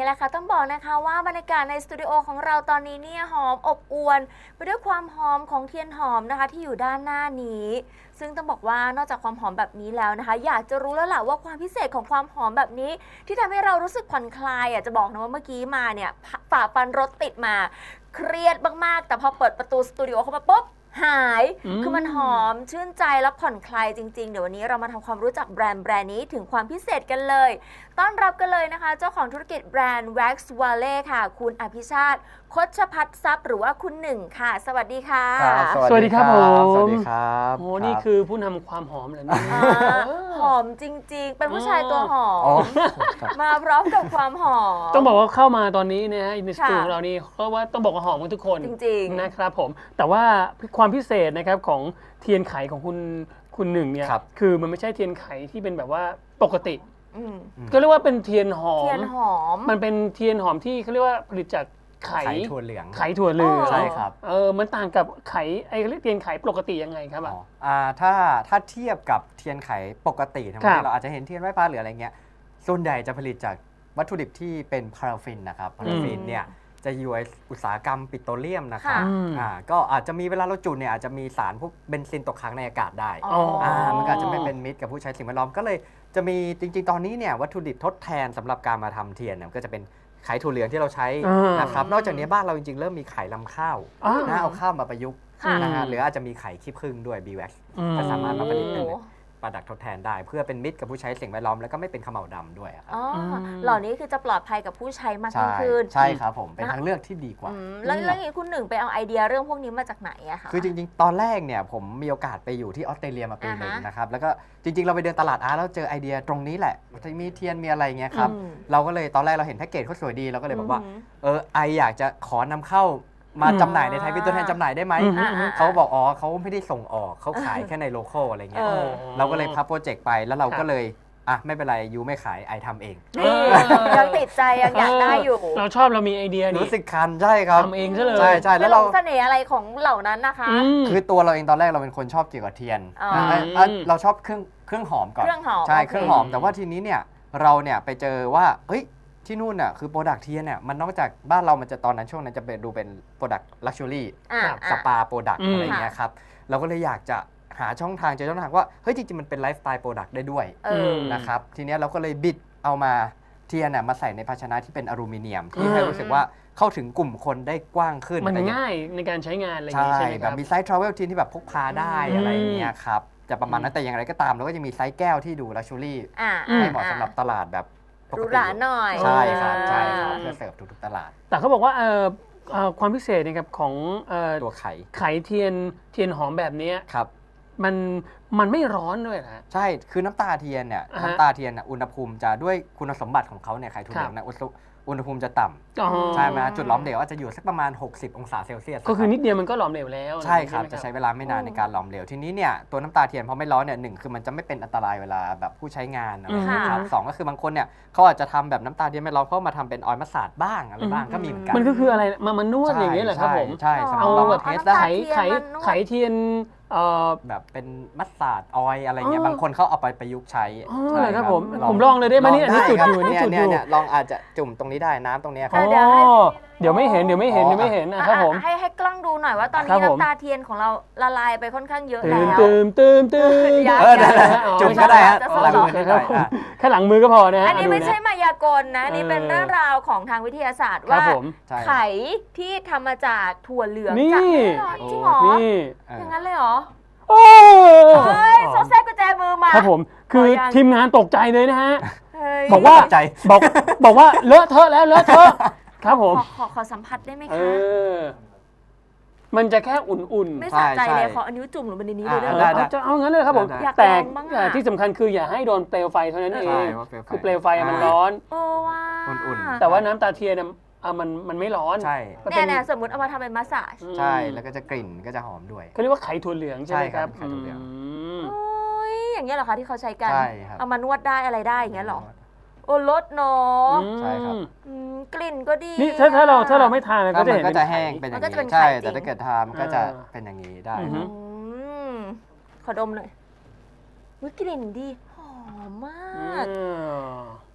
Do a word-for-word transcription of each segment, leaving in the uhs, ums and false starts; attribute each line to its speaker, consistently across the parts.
Speaker 1: แหละค่ะต้องบอกนะคะว่าบรรยากาศในสตูดิโอของเราตอนนี้เนี่ยหอมอบอวลไปด้วยความหอมของเทียนหอมนะคะที่อยู่ด้านหน้านี้ซึ่งต้องบอกว่านอกจากความหอมแบบนี้แล้วนะคะอยากจะรู้แล้วล่ะว่าความพิเศษของความหอมแบบนี้ที่ทำให้เรารู้สึกผ่อนคลายอ่ะจะบอกนะว่าเมื่อกี้มาเนี่ยฝ่าฟันรถติดมาเครียดมากๆแต่พอเปิดประตูสตูดิโอเข้ามาปุ๊บหายคือมันหอมชื่นใจและผ่อนคลายจริงๆเดี๋ยววันนี้เรามาทำความรู้จักแบรนด์แบรนด์นี้ถึงความพิเศษกันเลยต้อนรับกันเลยนะคะเจ้าของธุรกิจแบรนด์ Wax Valley ค่ะคุณอภิชาติคชพัฒน์ทรัพย์หรือว่าคุณหนึ่งค่ะสวัสดีค่ะ
Speaker 2: สวัสดีครับผม
Speaker 3: สวัสดีครับ
Speaker 2: โอ้นี่คือผู้นำความหอมเลยนะ
Speaker 1: หอมจริงๆเป็นผู้ชายตัวหอมมาพร้อมกับความหอม
Speaker 2: ต้องบอกว่าเข้ามาตอนนี้นะฮะในสตูของเรานี่เพราะว่าต้องบอกว่าหอมกันทุกคน
Speaker 1: จริงๆ
Speaker 2: นะครับผมแต่ว่าความพิเศษนะครับของเทียนไขของคุณคุณหนึ่งเนี่ยคือมันไม่ใช่เทียนไขที่เป็นแบบว่าปกติก็เรียกว่าเป็นเทียนหอม
Speaker 1: เทียนหอม
Speaker 2: มันเป็นเทียนหอมที่เขาเรียกว่าผลิตจากไข่
Speaker 3: ถั่วเหลือง
Speaker 2: ไข่ถั่วเหลือง
Speaker 3: ใช่ครับ
Speaker 2: เออมันต่างกับไข่ไอ้เรียกเทียนไข่ปกติยังไงครับ
Speaker 3: อ่าถ้าถ้าเทียบกับเทียนไขปกติธรรมดาเราอาจจะเห็นเทียนไหว้พระหรืออะไรเงี้ยส่วนใหญ่จะผลิตจากวัตถุดิบที่เป็นพาราฟินนะครับพาราฟินเนี่ยจะอยู่ในอุตสาหกรรมปิโตรเลียมนะครับอ่าก็อาจจะมีเวลาเราจุดเนี่ยอาจจะมีสารพวกเบนซินตกค้างในอากาศได้อ่ามันก็อาจจะไม่เป็นมิตรกับผู้ใช้สิ่งแวดล้อมก็เลยจะมีจริงๆตอนนี้เนี่ยวัตถุดิบทดแทนสำหรับการมาทำเทียนเนี่ยก็จะเป็นไข่ถั่วเหลืองที่เราใช้นะครับนอกจากนี้บ้านเราจริงๆเริ่มมีไข่ลำข้าวนะเอาข้าวมาประยุกต์นะฮะหรืออาจจะมีไข่ขี้ผึ้งด้วย บี แว็กซ์ ก็สามารถมาผลิตเป็นประดักทดแทนได้เพื่อเป็นมิตรกับผู้ใช้สิ่งแวดล้อมแล้วก็ไม่เป็นเขม่าวดำด้วยครับ
Speaker 1: เหล่านี้คือจะปลอดภัยกับผู้ใช้มากยิ่งขึ้น
Speaker 3: ใช่ครับผมเป็นทางเลือกที่ดีกว่า
Speaker 1: แล้วเรื่องนี้คุณหนึ่งไปเอาไอเดียเรื่องพวกนี้มาจากไหนอะคะ
Speaker 3: คือจริงๆตอนแรกเนี่ยผมมีโอกาสไปอยู่ที่ออสเตรเลียมาปีหนึ่งนะครับแล้วก็จริงๆเราไปเดินตลาดอาร์ตแล้วเจอไอเดียตรงนี้แหละจะมีเทียนมีอะไรเงี้ยครับเราก็เลยตอนแรกเราเห็นแพ็กเกจเขาสวยดีเราก็เลยบอกว่าเออไออยากจะขอนำเข้ามาจำหน่ายในไทยเป็นตัวแทนจำหน่ายได้ไหมเขาบอกอ๋อเขาไม่ได้ส่งออกเขาขายแค่ในโลคอลอะไรเงี้ยเราก็เลยพับโปรเจกต์ไปแล้วเราก็เลยอ่ะไม่เป็นไรยูไม่ขายไอทำเอง
Speaker 1: ยังติดใจยังอยากได้อยู่
Speaker 2: เราชอบเรามีไอเดีย
Speaker 3: รู้สึกคันใช่ครับ
Speaker 2: ทำเองซะเลย
Speaker 3: ใช่ใช่
Speaker 1: แล้วเราเสน่ห์อะไรของเหล่านั้นนะคะ
Speaker 3: คือตัวเราเองตอนแรกเราเป็นคนชอบเกี่ยวกับเทียนเราชอบเครื่องเครื่องหอมก่อนใช่เครื่องหอมแต่ว่าทีนี้เนี่ยเราเนี่ยไปเจอว่าเฮ้ยที่นู่นน่ะคือโปรดักต์เทียนเนี่ยมันนอกจากบ้านเรามันจะตอนนั้นช่วงนั้นจะเป็นดูเป็นโปรดักต์ลักชัวรี่สปาโปรดักต์อะไรเงี้ยครับเราก็เลยอยากจะหาช่องทางเจอช่องทางว่าเฮ้ยจริงๆมันเป็นไลฟ์สไตล์โปรดักต์ได้ด้วยนะครับทีนี้เราก็เลยบิดเอามาเทียนน่ะมาใส่ในภาชนะที่เป็นอลูมิเนียมที่ให้รู้สึกว่าเข้าถึงกลุ่มคนได้กว้างขึ้น
Speaker 2: มันง่ายในการใช้งานอะไรอย่างเงี้ยใช่ไหม
Speaker 3: ครับแบบมีไซส์ทราเวลเทียนที่แบบพกพาได้อะไรเงี้ยครับจะประมาณนั้นแต่อย่างไรก็ตามเราก็จะมีไซส์แก้วที่ดูลักชัวรี่ให้เหมาะสำหรับตลาดแบบ
Speaker 1: หรูหราหน่อย
Speaker 3: ใช่ครับใช่ครับเพื่อเสิร์ฟทุกๆตลาด
Speaker 2: แต่เขาบอกว่าความพิเศษนะครับของ
Speaker 3: ตัวไข่
Speaker 2: ไข่เทียนเทียนหอมแบบนี้
Speaker 3: ครับ
Speaker 2: มันมันไม่ร้อนด้วยนะ
Speaker 3: ใช่คือน้ำตาเทียนเนี่ยน้ำตาเทียนอุณหภูมิจะด้วยคุณสมบัติของเขาเนี่ยไข่ถั่วเหลืองเนี่ยอุณหภูมิจะต่ำใช่ไหมจุดหลอมเหลวอาจจะอยู่สักประมาณหกสิบองศาเซลเซียส
Speaker 2: ก็คือนิดเดียวมันก็หลอมเหลวแล้ว
Speaker 3: ใช่ครับจะใช้เวลาไม่นานในการหลอมเหลวทีนี้เนี่ยตัวน้ำตาเทียนพอไม่ร้อนเนี่ยหนึ่งคือมันจะไม่เป็นอันตรายเวลาแบบผู้ใช้งานนะครับสองก็คือบางคนเนี่ยเขาอาจจะทำแบบน้ำตาเทียนไม่ร้อนเขามาทำเป็นออยล์มัสตาร์ดบ้างอะไรบ้างก็มีเหมือนกัน
Speaker 2: มันก็คืออะไรมามันนวดอย่างนี้แหละครับผม
Speaker 3: ใช่
Speaker 2: เอาแบบไข่ไข่ไข่เทียน
Speaker 3: แบบเป็นมัสตาร์ดออยอะไรเงี้ยบางคนเขาเอาไปประยุกต์ใช้
Speaker 2: ใช่ครับผมผมลองเลยได้ไหมนี่อันนี้จุดอยู่นี่จุดอยู่
Speaker 3: ลองอาจจะจุ่มตรงนี้ได้น้ำตรงนี้ครับ
Speaker 2: เดี๋ยวไม่เห็นเดี๋ยวไม่เห็นเดี๋ยวไม่เห็นนะครับผม
Speaker 1: ให้ให้กล้องดูหน่อยว่าตอนนี้น้ำตาเทียนของเราละลายไปค่อนข้างเยอะแล้ว
Speaker 2: ตืมตืมตืม
Speaker 3: จุ่มก็ได้ฮะหลังมือได้
Speaker 2: แค่หลังมือก็พอนะ
Speaker 1: อันนี้ไม่ใช่มายากลนะนี่เป็นเรื่องราวของทางวิทยาศาสตร์ว่าไข่ที่ทำมาจากถั่วเหลืองจากแน่นอนจริงเหรออย่างนั้นเลยเหรอ
Speaker 2: โอ้
Speaker 1: ยโซเซ่กุญแจมือมา
Speaker 2: ครับผมคือทีมงานตกใจเลยนะฮะบอกว่าบอกบอกว่าเลอะเทอะแล้วเลอะเทอะครับผม
Speaker 1: ขอขอสัมผัสได้ไหมคะ
Speaker 2: มันจะแค่อุ่น
Speaker 1: ๆไม่สะใจเลยขออันนิ้วจุ่มลงไปในนี้เลย
Speaker 2: ได้จะเอางั้นเลยครับผมแต่ที่สำคัญคืออย่าให้โดนเปลวไฟเท่านั้นเองคือเปลวไฟมันร้อน
Speaker 1: โอ้ว่า
Speaker 3: อุ่น
Speaker 2: ๆแต่ว่าน้ำตาเทียนอ่ะมันมันไม่ร้อน
Speaker 3: ใช่
Speaker 1: เนี่ยเนี่ยสมมติเอามาทำเป็นมัสซาจ
Speaker 3: ใช่แล้วก็จะกลิ่นก็จะหอมด้วย
Speaker 2: เขาเรียกว่าไข่ถั่วเหลืองใช่ไหมครับ
Speaker 3: ไข่ถั่วเหลือง
Speaker 1: โอ้ยอย่างเงี้ยเหรอคะที่เขาใช้กันเอามานวดได้อะไรได้อย่างเงี้ยหรอโอ้ลดเนาะ
Speaker 3: ใช่ครับ
Speaker 1: กลิ่นก็ดี
Speaker 2: นี่ถ้าถ้าเราถ้าเราไม่ทานก็จะเห็น
Speaker 3: ก็จะแห้งเป็นอย่างนี้ใช่แต่ถ้าเกิดทานก็จะเป็นอย่างนี้ได้
Speaker 1: ขอดมหน่อยกลิ่นดีหอมมาก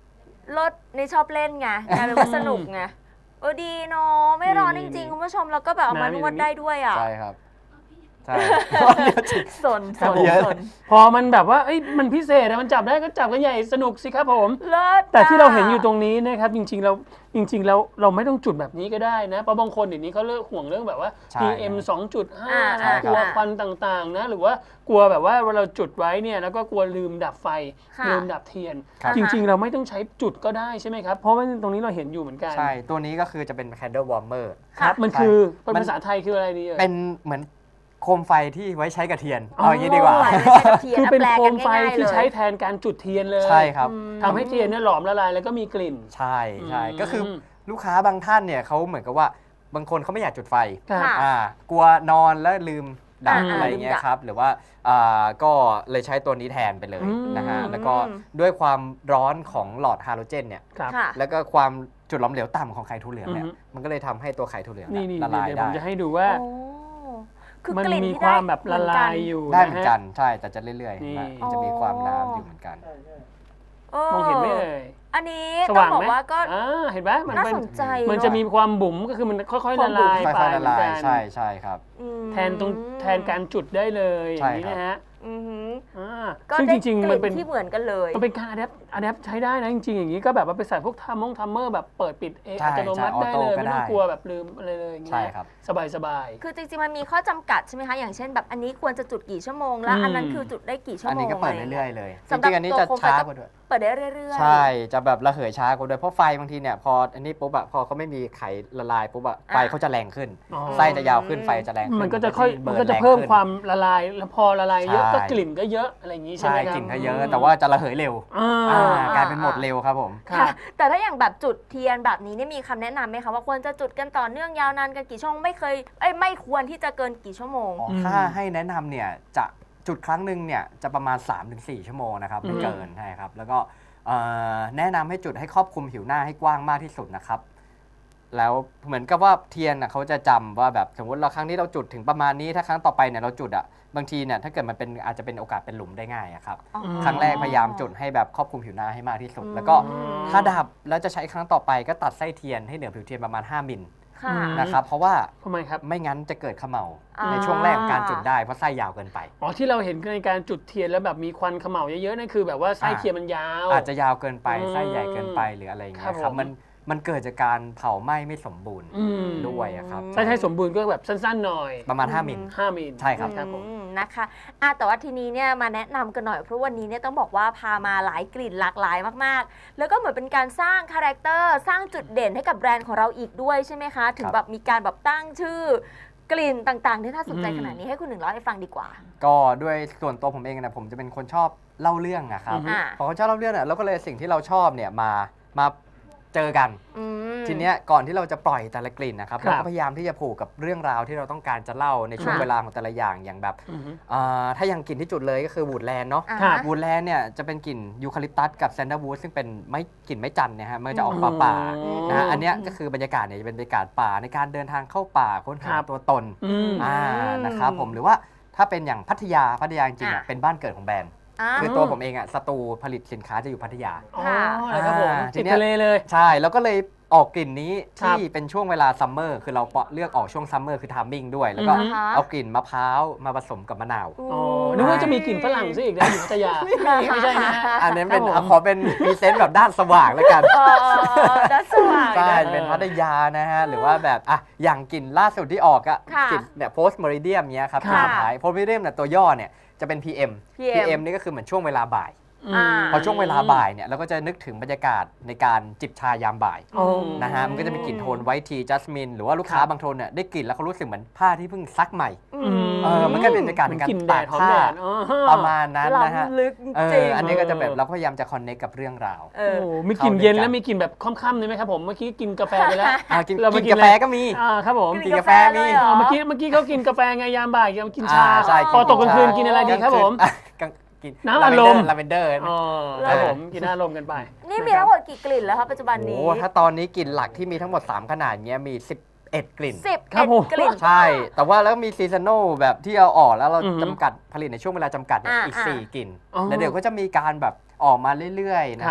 Speaker 1: รถนี่ชอบเล่นไงกลายเป็นว่าสนุกไงเออดีเนาะไม่ร้อนจริงๆคุณผู้ชมแล้วก็แบบเอามานวดได้ด้วยอ่ะ
Speaker 3: ใช่ครับใช่
Speaker 1: สนสนสน
Speaker 2: พอมันแบบว่าเอ้ยมันพิเศษอะมันจับได้ก็จับกันใหญ่สนุกสิครับผม
Speaker 1: เลิศ
Speaker 2: แต่ที่เราเห็นอยู่ตรงนี้นะครับจริงๆเราจริงๆเราเราไม่ต้องจุดแบบนี้ก็ได้นะเพราะบางคนเดี๋ยวนี้เขาเลิกห่วงเรื่องแบบว่า
Speaker 3: ใช่
Speaker 2: พี เอ็ม สองจุดห้า
Speaker 1: ใช่
Speaker 2: นะ
Speaker 1: ค
Speaker 2: ก
Speaker 1: รับ
Speaker 2: ลัวควันต่างๆนะหรือว่ากลัวแบบว่าเวลาเราจุดไว้เนี่ยแล้วก็กลัวลืมดับไฟ
Speaker 1: ค่ะ
Speaker 2: ลืมดับเทียน
Speaker 3: ครับ
Speaker 2: จริงๆ เราไม่ต้องใช้จุดก็ได้ใช่ไหมครับเพราะว่าตรงนี้เราเห็นอยู่เหมือนกัน
Speaker 3: ใช่ตัวนี้ก็คือจะเป็น candle warmer
Speaker 2: ครับมัน
Speaker 3: ใช่
Speaker 2: คือเป็น
Speaker 3: มัน
Speaker 2: ภาษาไทยคืออะไรดีเอ่ย
Speaker 3: เป็นเหมือนโคมไฟที่ไว้ใช้กับเทียน
Speaker 2: อ๋อ
Speaker 3: เอาอย่างนี้ดีกว่า
Speaker 1: โอ้ยไม่ใช่กระเทีย
Speaker 2: คือ
Speaker 1: นะ
Speaker 2: เป็น
Speaker 1: แปล
Speaker 2: โค
Speaker 1: กั
Speaker 2: ม
Speaker 1: น
Speaker 2: ไฟ
Speaker 1: ง่ายๆ
Speaker 2: ที่
Speaker 1: เลย
Speaker 2: ใช้แทนการจุดเทียนเลย
Speaker 3: ใช่ครับ
Speaker 1: อืม
Speaker 2: ทำให้เทียนเนี่ยหลอมละลายแล้วก็มีกลิ่น
Speaker 3: ใช่ใช่
Speaker 2: อืม
Speaker 3: ก็คือลูกค้าบางท่านเนี่ยเขาเหมือนกับว่าบางคนเขาไม่อยากจุดไฟ
Speaker 2: ครับ
Speaker 1: ค่ะ
Speaker 3: อ่ากลัวนอนแล้วลืมดับ
Speaker 2: อ่า
Speaker 3: อะไรอย่างเงี้
Speaker 1: ลื
Speaker 3: ย
Speaker 1: มดับ
Speaker 3: ครับหรือว่าอ่าก็เลยใช้ตัวนี้แทนไปเลย
Speaker 2: อืม
Speaker 3: นะฮะแล้วก็ด้วยความร้อนของหลอดฮาโลเจนเนี่ย
Speaker 2: ครับ
Speaker 1: ค่ะ
Speaker 3: แล้วก็ความจุดหลอมเหลวต่ำของไข่ถั่วเหลืองเนี่ย
Speaker 2: อือฮึ
Speaker 3: มันก็เลยทำให้ตัวไข่ถั่วเหลือง
Speaker 2: นี่
Speaker 3: เนี่ย
Speaker 2: นี่
Speaker 3: ละลาย
Speaker 2: เดี๋ยวผ
Speaker 3: ได้
Speaker 2: มจะให้ดูว่า
Speaker 1: โอ้คือ
Speaker 2: มัน
Speaker 1: กลิ่น
Speaker 2: มี
Speaker 1: ที่
Speaker 2: ความ
Speaker 1: ได้
Speaker 2: แบบละลายอยู่
Speaker 3: ได้เหมือน
Speaker 2: นะ
Speaker 3: กั
Speaker 2: ฮะ
Speaker 3: นใช่แต่จะเรื่อย
Speaker 2: นี่
Speaker 3: ๆนะมันจะมีความน้ำอยู่เหมือนกัน
Speaker 1: เออ
Speaker 2: มองเห็นไหมเอ่ย
Speaker 1: อันนี้
Speaker 2: ส
Speaker 1: ต้อ
Speaker 2: ว่าง ง
Speaker 1: บอก
Speaker 2: ไหม
Speaker 1: ว่าก็
Speaker 2: อ่าเห็นไหมมัน
Speaker 1: น่า
Speaker 2: เป็น
Speaker 1: สนใจ
Speaker 2: มันจะมีความบุ๋มก็คือมันค่อยๆ
Speaker 1: ควา
Speaker 2: ละ
Speaker 1: มบุ๋ม
Speaker 2: ลาย
Speaker 3: ค่
Speaker 2: ไป
Speaker 3: อยๆละ
Speaker 2: เหมือ
Speaker 3: ลาน ย
Speaker 2: กัน
Speaker 3: ใช่ใช่ครับ
Speaker 1: อืม
Speaker 2: แทนตรงแทนการจุดได้เลยอ
Speaker 3: ใช่
Speaker 2: ย่างนี้
Speaker 3: ครับ
Speaker 2: นะฮะ
Speaker 1: อือหือ
Speaker 2: อ่า
Speaker 1: ก็
Speaker 2: ซึ่ง
Speaker 1: ได้
Speaker 2: จริง
Speaker 1: ก
Speaker 2: ๆ มันเป็น
Speaker 1: ลิ่นที่เหมือนกันเลย
Speaker 2: มันเป็นการอะแดปอะแดปใช้ได้นะจริงๆอย่างนี้ก็แบบว่าไปใส่พวกทัมมงทัมเมอร์แบบเปิดปิดเอง
Speaker 3: ใช่
Speaker 2: อัตโนมัติ
Speaker 3: ใช่
Speaker 2: ได้เลย
Speaker 3: ออโต้ก็
Speaker 2: ไม่ต้อง
Speaker 3: ได้
Speaker 2: กลัวแบบลืมอะไรเลยอย่างเงี้
Speaker 3: ใช่
Speaker 2: ย
Speaker 3: ครับ
Speaker 2: สบายสบาย
Speaker 1: คือจริงๆมันมีข้อจำกัดใช่ไหมคะอย่างเช่นแบบอันนี้ควรจะจุดกี่ชั่วโมงแล้ว
Speaker 2: อืม
Speaker 1: อันนั้นคือจุดได้กี่ชั่ว
Speaker 3: อัน
Speaker 1: โมง
Speaker 3: นี้ก็เปิด
Speaker 1: ะไาง
Speaker 3: เรื่
Speaker 1: งี้
Speaker 3: อยๆเลยจ
Speaker 1: สำหรับ
Speaker 3: ริงๆอันนี้จะ
Speaker 1: ตัวโคมไฟ
Speaker 3: ช้า
Speaker 1: ก็
Speaker 3: กว่าด้วย
Speaker 1: เปิดได้เรื่อยๆ
Speaker 3: ใช่จะแบบระเหยช้ากว่าด้วยเพราะไฟบางทีเนี่ยพออันนี้ปุ๊บอะพอเขาไม่มีไขละลายปุ๊บอะไฟเขาจะแรงขึ้น
Speaker 2: อ๋อ
Speaker 3: ไส้จะยาวขึ้นไฟจะแรงขึ้น
Speaker 2: มันก็จะค่อยมันก็จะ
Speaker 3: บิร์
Speaker 2: เพิ่ม
Speaker 3: แรงขึ้น
Speaker 2: ความละลายแล้วพอละลายเยอะ
Speaker 3: ใช่
Speaker 2: ก็กลิ่นก็เยอะอะไรอย่างนี้ใช่ไห
Speaker 3: ใช่
Speaker 2: มครับ
Speaker 3: กลิ่นก็เยอะ แต่ว่าจะระเหยเร็ว
Speaker 2: อ่า
Speaker 3: อ่ากลายเป็นหมดเร็วครับผม
Speaker 2: ครั
Speaker 1: ค่ะ
Speaker 2: บ
Speaker 1: แต่ถ้าอย่างแบบจุดเทียนแบบนี้เนี่ยมีคำแนะนำไหมคะว่าควรจะจุดกันต่อเนื่องยาวนานกันกี่ชั่วโมงไม่เคยเอ้ยไม่ควรที่จะเกินกี่ชั่วโมง
Speaker 3: อ๋อ
Speaker 2: อืม
Speaker 3: ถ้าให้แนะนำเนี่ยจะจุดครั้งหนึ่งเนี่ยจะประมาณ สามถึงสี่ ชั่วโมงนะครับไม่
Speaker 2: อืม
Speaker 3: เกินใช่ครับแล้วก็เอ่อแนะนำให้จุดให้ครอบคลุมผิวหน้าให้กว้างมากที่สุดนะครับแล้วเหมือนกับว่าเทียนน่ะเขาจะจำว่าแบบสมมติเราครั้งนี้เราจุดถึงประมาณนี้ถ้าครั้งต่อไปเนี่ยเราจุดอ่ะบางทีเนี่ยถ้าเกิดมันเป็นอาจจะเป็นโอกาสเป็นหลุมได้ง่ายอะครับ
Speaker 1: อ๋อ
Speaker 2: ม
Speaker 3: ครั้งแรกพยายามจุดให้แบบครอบคลุมผิวหน้าให้มากที่สุด
Speaker 1: อืม
Speaker 3: แล้วก็ถ้าดับแล้วจะใช้ครั้งต่อไปก็ตัดไส้เทียนให้เหนือผิวเทียนประมาณห้ามิล
Speaker 1: ค่ะ
Speaker 2: อืม
Speaker 3: นะครับเพราะว่า
Speaker 2: ทำไมครับ
Speaker 3: ไม่งั้นจะเกิดเขม่า
Speaker 1: อ่า
Speaker 3: ในช่วงแรกของการจุดได้เพราะไส้ยาวเกินไป
Speaker 2: อ๋อที่เราเห็นในการจุดเทียนแล้วแบบมีควันเขม่าเยอะๆนั่นคือแบบว่าไส้
Speaker 3: อ่า
Speaker 2: เทียนมันยาว
Speaker 3: อาจจะยาวเกินไป
Speaker 2: อืม
Speaker 3: ไส้ใหญ่เกินไปหรืออะไรอย่างเงี้ย
Speaker 2: ครับ
Speaker 3: ครับ
Speaker 2: ผม
Speaker 3: มันมันเกิดจากการเผาไหม้ไม่สมบูรณ์
Speaker 2: อืม
Speaker 3: ด้วยอะครับ
Speaker 2: ไส้ไทยสมบูรณ์ก็แบบสั้นๆหน่อย
Speaker 3: ประมาณ ห้ามิล
Speaker 2: ห้ามิล
Speaker 3: ใช่ครับ
Speaker 2: ครับผม
Speaker 1: อืมนะคะอ่ะแต่ว่าทีนี้เนี่ยมาแนะนำกันหน่อยเพราะวันนี้เนี่ยต้องบอกว่าพามาหลายกลิ่นหลากหลายมากๆ แล้วก็เหมือนเป็นการสร้างคาแรคเตอร์สร้างจุดเด่นให้กับแบรนด์ของเราอีกด้วยใช่ไหมคะ ถึงแบบมีการแบบตั้งชื่อกลิ่นต่างๆ ที่น่าสนใจ
Speaker 2: อืม
Speaker 1: ขนาดนี้ให้คุณหนึ่งเล่าให้ฟังดีกว่า
Speaker 3: ก็ด้วยส่วนตัวผมเองนะผมจะเป็นคนชอบเล่าเรื่องอะครับ
Speaker 2: อือฮึ
Speaker 1: อ่า
Speaker 3: พอคนชอบเล่าเรื่องเนี่ยเราก็เลยสิ่งที่เราชอบเนี่ยมามาเจอกัน
Speaker 1: อืม
Speaker 3: ทีเนี้ยก่อนที่เราจะปล่อยแต่ละกลิ่นนะครับ
Speaker 2: ครับ
Speaker 3: เราก็พยายามที่จะผูกกับเรื่องราวที่เราต้องการจะเล่าในช่วง
Speaker 1: ค่ะ
Speaker 3: เวลาของแต่ละอย่างอย่างแบบ
Speaker 2: อือฮึ
Speaker 3: อ่าถ้าอย่างกลิ่นที่จุดเลยก็คือวูดแลนด์เนาะ
Speaker 1: อ่า
Speaker 2: ครับ
Speaker 3: วูดแลนด์เนี่ยจะเป็นกลิ่นยูคาลิปตัสกับแซนเดอร์วูดซึ่งเป็นไม้กลิ่นไม้จันทร์เนี่ยฮะมันจะออกป่าป่าๆ
Speaker 2: อืม
Speaker 3: นะฮะอันเนี้ยก็คือบรรยากาศเนี่ยจะเป็นบรรยากาศป่าในการเดินทางเข้าป่าค้นหา
Speaker 2: ครับ
Speaker 3: ตัวตน
Speaker 2: อืม
Speaker 3: อ่านะครับผมหรือว่าถ้าเป็นอย่างพัทยาพัทยาจริงๆอ่ะ
Speaker 1: อ่ะ
Speaker 3: เป็นบ้านเกิดของแบรนด์
Speaker 1: อ่า
Speaker 3: คือตัวผมเองอ่ะสตูผลิตสินค้าจะอยู่พัทยา
Speaker 2: อ๋อ
Speaker 1: ค่ะ
Speaker 2: อะไรครับผม
Speaker 3: อ่าที
Speaker 2: ติด
Speaker 3: เนี้ย
Speaker 2: ทะเลเลย
Speaker 3: ใช่แล้วก็เลยออกกลิ่นนี้
Speaker 2: ครับ
Speaker 3: ที่เป็นช่วงเวลาซัมเมอร์คือเราเลือกออกช่วงซัมเมอร์คือทามมิ่งด้วย แล้วก็
Speaker 2: อือฮึ
Speaker 3: เอากลิ่นมะพร้าวมาผสมกับมะนาว
Speaker 2: อ๋อนึกว่าจะมีกลิ่นฝรั่งซะอีกนะอยู่พัทยาไม่ใช่นะฮะ
Speaker 3: อันนี้เป็น
Speaker 2: ครับผม
Speaker 3: ขอเป็นพรีเซนต์แบบด้านสว่างแล้วกัน
Speaker 1: เออดัสว่าง
Speaker 3: ใช่
Speaker 1: นะ
Speaker 3: เป็นพัทยานะฮะ หรือว่าแบบอ่ะอย่างกลิ่นล่าสุดที่ออกอะ
Speaker 1: ค่ะ
Speaker 3: กลิ่นเนี่ยโพสต์ม e ริเดียมเนี้ยครับ
Speaker 2: ค่ะ
Speaker 3: ที่สุดท้ายโพสต์ม e ริเดียมเนี่ยตัวย่อเนี่ยจะเป็น พี เอ็ม
Speaker 1: พี เอ็ม
Speaker 3: พี เอ็ม นี่ก็คือเหมือนช่วงเวลาบ่าย
Speaker 1: อ่า
Speaker 3: พอช่วงเวลาบ่ายเนี่ยเราก็จะนึกถึงบรรยากาศในการจิบชายามบ่าย
Speaker 2: อ๋อ
Speaker 3: นะฮะมันก็จะมีกลิ่นโทนไวท์ทีจัสมินหรือว่าลูกค้า
Speaker 2: ครับ
Speaker 3: บางโทนเนี่ยได้กลิ่นแล้วเขารู้สึกเหมือนผ้าที่เพิ่งซักใหม่
Speaker 1: อืม
Speaker 3: เออมันก็เป็นบรรยากาศ
Speaker 2: เหมื
Speaker 3: ใน
Speaker 2: อน
Speaker 3: การ
Speaker 2: กลิ่นแด
Speaker 3: ตา
Speaker 2: ด
Speaker 3: ก
Speaker 2: หอม
Speaker 3: ผ้า
Speaker 2: แดดอ๋อ
Speaker 3: ประมาณนั้นนะฮะ
Speaker 1: ล้ำลึกจ
Speaker 3: เอ
Speaker 1: ริง
Speaker 3: ออันนี้ก็จะแบบ
Speaker 2: เออ
Speaker 3: เราก็พยายามจะคอนเนคกับเรื่องราว
Speaker 1: เอ
Speaker 2: โอ้
Speaker 1: อ
Speaker 2: มีกลิ่นเย็น
Speaker 3: เข้าด้วยกัน
Speaker 2: แล้วมีกลิ่นแบบค่ำๆเลยไหมครับผมเมื่อกี้กินกาแฟไปแล้ว
Speaker 3: อ่ะกิน
Speaker 2: เรามา
Speaker 3: กิน
Speaker 2: กิน
Speaker 3: กาแฟ
Speaker 2: อะไร
Speaker 3: ก็มี
Speaker 2: อ่าครับผม
Speaker 1: กิน
Speaker 3: กินกาแฟมี
Speaker 1: เลยเหร
Speaker 2: อ่าเมื่อกี้เมื่อกี้เขากินกาแฟไงยามบ่ายเขากินชา
Speaker 3: อ่าใช่
Speaker 2: พอตกกลางคืนกินอะไรดีครับผม
Speaker 3: อ่ะกลางกิน
Speaker 2: น้ำอัดลม
Speaker 3: ลาเวนเดอร์
Speaker 2: อ๋อครับผมกินอารมณ์กันไป
Speaker 1: นี่มีทั้งหมดกี่กลิ่นแล้วคะปัจจุบัน
Speaker 3: โอ้
Speaker 1: นี้
Speaker 3: โหถ้าตอนนี้กลิ่นหลักที่มีทั้งหมด สาม ขนาดเงี้ยมี สิบเอ็ด กลิ่น
Speaker 1: สิบ
Speaker 2: ครั
Speaker 1: เอ็
Speaker 2: บ
Speaker 1: ด
Speaker 2: ผม
Speaker 1: กลิ่น
Speaker 3: ใช่ แต่ว่าแล้วมีซีซัน a ลแบบที่เอาออกแล้วเรา
Speaker 2: อือฮึ
Speaker 3: จำกัดผลิตในช่วงเวลาจำกัดเนี่ย
Speaker 1: อ่า
Speaker 3: อีก
Speaker 1: อ่า
Speaker 3: สี่ กลิ่น
Speaker 2: อ๋อ
Speaker 3: แล้วเดี๋ยวก็จะมีการแบบออกมาเรื่อยๆนะครับ ฮะ